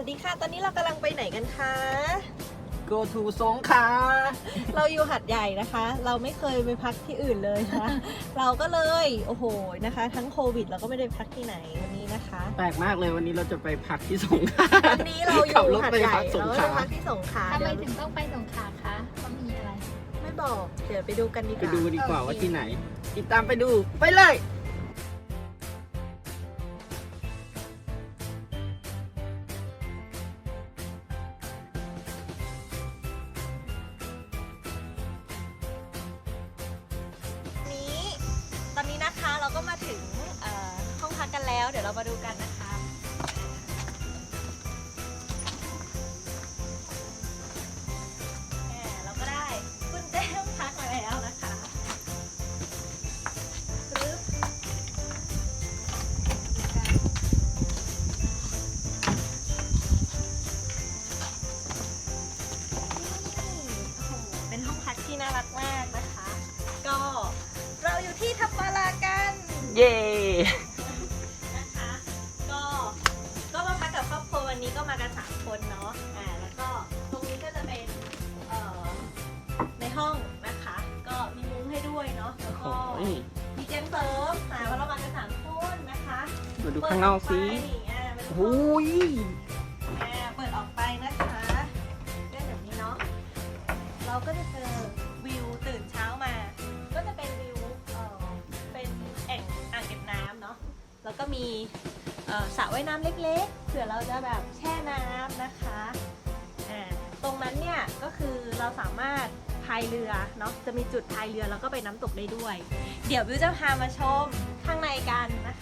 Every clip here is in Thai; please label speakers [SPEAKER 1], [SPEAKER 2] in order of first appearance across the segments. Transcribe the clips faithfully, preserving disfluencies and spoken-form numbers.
[SPEAKER 1] ดีค่ะตอนนี้เรากำลังไปไหนกันคะ
[SPEAKER 2] go to สงขลา
[SPEAKER 1] เราอยู่หัดใหญ่นะคะ เราไม่เคยไปพักที่อื่นเลยนะ เราก็เลยโอ้โหนะคะ ทั้งโควิดเราก็ไม่ได้พักที่ไหนวันนี้นะคะ
[SPEAKER 2] แปลกมากเลยวันนี้เราจะไปพักที่สงขลา
[SPEAKER 1] ตอนนี้เราอยู่หัดใหญ่
[SPEAKER 2] ขับรถไปพักสง
[SPEAKER 1] เรา
[SPEAKER 2] ขลา
[SPEAKER 1] ไปพักที่สงขลา
[SPEAKER 3] ทำไม
[SPEAKER 1] เดี๋ยว
[SPEAKER 3] ถึงต้องไปสงขลาคะเขามีอะไร
[SPEAKER 1] ไม่บอกเดี๋ยวไปดูกันดีก
[SPEAKER 2] ไป
[SPEAKER 1] ว่า
[SPEAKER 2] ดูดีกว่า
[SPEAKER 3] โอเค
[SPEAKER 2] ว่าที่ไหน ติดตามไปดูไปเลย
[SPEAKER 1] นี้ตอนนี้นะคะเราก็มาถึงเอ่อห้องพักกันแล้วเดี๋ยวเรามาดูกันนะคะแหมเราก็ได้กุญแจห้องพักมาแล้วนะคะปึ๊บเป็นห้องพักที่น่ารักมากนะคะ ก็เราอยู่ที่ทับปารากัน
[SPEAKER 2] เย่
[SPEAKER 1] นะคะ ก็ก็มาพักกับครอบครัววันนี้ก็มากันสามคนเนาะอ่าแล้วก็ตรงนี้ก็จะเป็นเอ่อในห้องนะคะ ก็มีมุ้งให้ด้วยเนาะแล้ว
[SPEAKER 2] โอ้
[SPEAKER 1] ก็
[SPEAKER 2] ย
[SPEAKER 1] มีเตียงเสริมอ่าเพราะเรามากันสามคนนะคะ
[SPEAKER 2] มาดูข้างนอกสิ
[SPEAKER 1] เปิดออกไปอ่าเป็นห้
[SPEAKER 2] โอ้
[SPEAKER 1] อง
[SPEAKER 2] ย
[SPEAKER 1] อ่าเปิดออกไปนะคะก็แบบนี้เนาะเราก็จะเจอวิวตื่นเช้ามา ก็จะเป็นวิวเอ่อเป็นแอ่งอ่างเก็บน้ำเนาะแล้วก็มีเอ่อสระว่ายน้ำเล็กๆเผื่อเราจะแบบแช่น้ำนะคะอ่าตรงนั้นเนี่ยก็คือเราสามารถพายเรือเนาะจะมีจุดพายเรือแล้วก็ไปน้ำตกได้ด้วย เดี๋ยววิวจะพามาชมข้างในกันนะคะ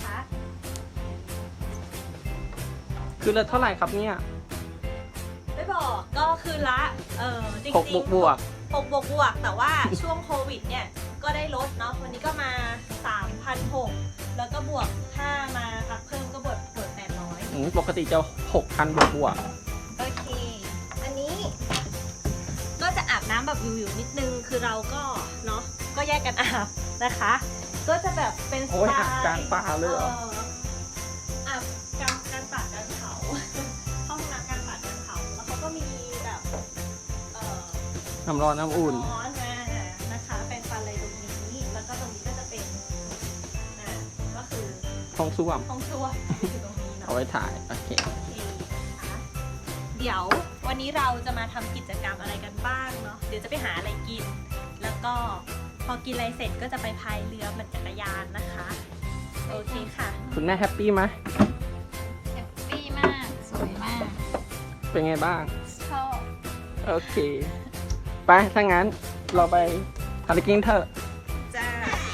[SPEAKER 2] คือละเท่าไหร่ครับเนี่ย
[SPEAKER 1] ไม่บอกก็คือละเออจริงๆ
[SPEAKER 2] หกบวกบวก
[SPEAKER 1] หกบวกบวกแต่ว่า ช่วงโควิดเนี่ยก็ได้ลดเนาะวันนี้ก็มา สามพันหกร้อย แล้วก็บวกค่ามาพักเพิ่มก็บวกบวกแปดร้อย
[SPEAKER 2] อืมปกติจะหกพันบวกบวก
[SPEAKER 1] โอเค อันนี้ก็จะอาบน้ำแบบวิวๆนิดนึงคือเราก็เนาะก็แยกกันอาบนะคะ ก็จะแบบเป็นส
[SPEAKER 2] โอ้ย
[SPEAKER 1] ไต
[SPEAKER 2] อาบ
[SPEAKER 1] ล์
[SPEAKER 2] กลางป่าเลยเหรอ
[SPEAKER 1] อาบกลางกลางป่ากลางเขา ห้องน้ำกลางป่ากลางเขาแล้วเขาก็มีแบบเอ่อ
[SPEAKER 2] น้ำร้อนน้ำอุ่น
[SPEAKER 1] ร้อนมานะคะเป็นฟันเลยตรงนี้แล้วก็ตรงนี้ก็จะเป็นอ่าก็คือ
[SPEAKER 2] ห้องส้วม
[SPEAKER 1] ห้องครัวอยู่ตรงนี้เนาะ
[SPEAKER 2] เอาไว้ถ่าย โอเค
[SPEAKER 1] โอเคนะคะเดี๋ยววันนี้เราจะมาทำกิจกรรมอะไรกันบ้างเนาะเดี๋ยวจะไปหาอะไรกิน แล้วก็พอกินอะไรเสร็จก็จะไปพายเรือปั่นจักรยานนะคะโอเคค่ะ
[SPEAKER 2] คุณแม่แฮปปี้ไหม
[SPEAKER 3] แฮปปี้มาก สวยมาก
[SPEAKER 2] เป็นไงบ้าง
[SPEAKER 3] ชอบ
[SPEAKER 2] โอเค ไป ถ้างั้นเราไปทานกิ้งเถอะ
[SPEAKER 1] จ้า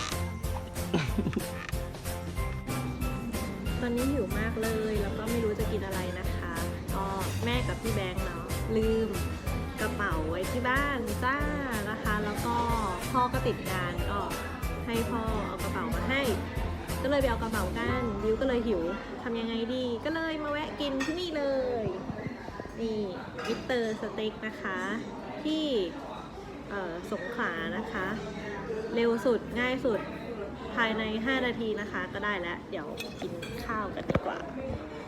[SPEAKER 1] ตอนนี้หิวมากเลยแล้วก็ไม่รู้จะกินอะไรนะคะก็แม่กับพี่แบงค์เนาะลืมกระเป๋าไว้ที่บ้านจ้านะคะ แล้วก็พ่อก็ติดงานก็ให้พ่อเอากระเป๋ามาให้ ก็เลยไปเอากระเป๋ากันดิวก็เลยหิวทำยังไงดี ก็เลยมาแวะกินที่นี่เลยนี่มิสเตอร์สเต็กนะคะที่เอ่อสงขลานะคะ เร็วสุดง่ายสุดภายในห้านาทีนะคะก็ได้แล้ว เดี๋ยวกินข้าวกันดีกว่า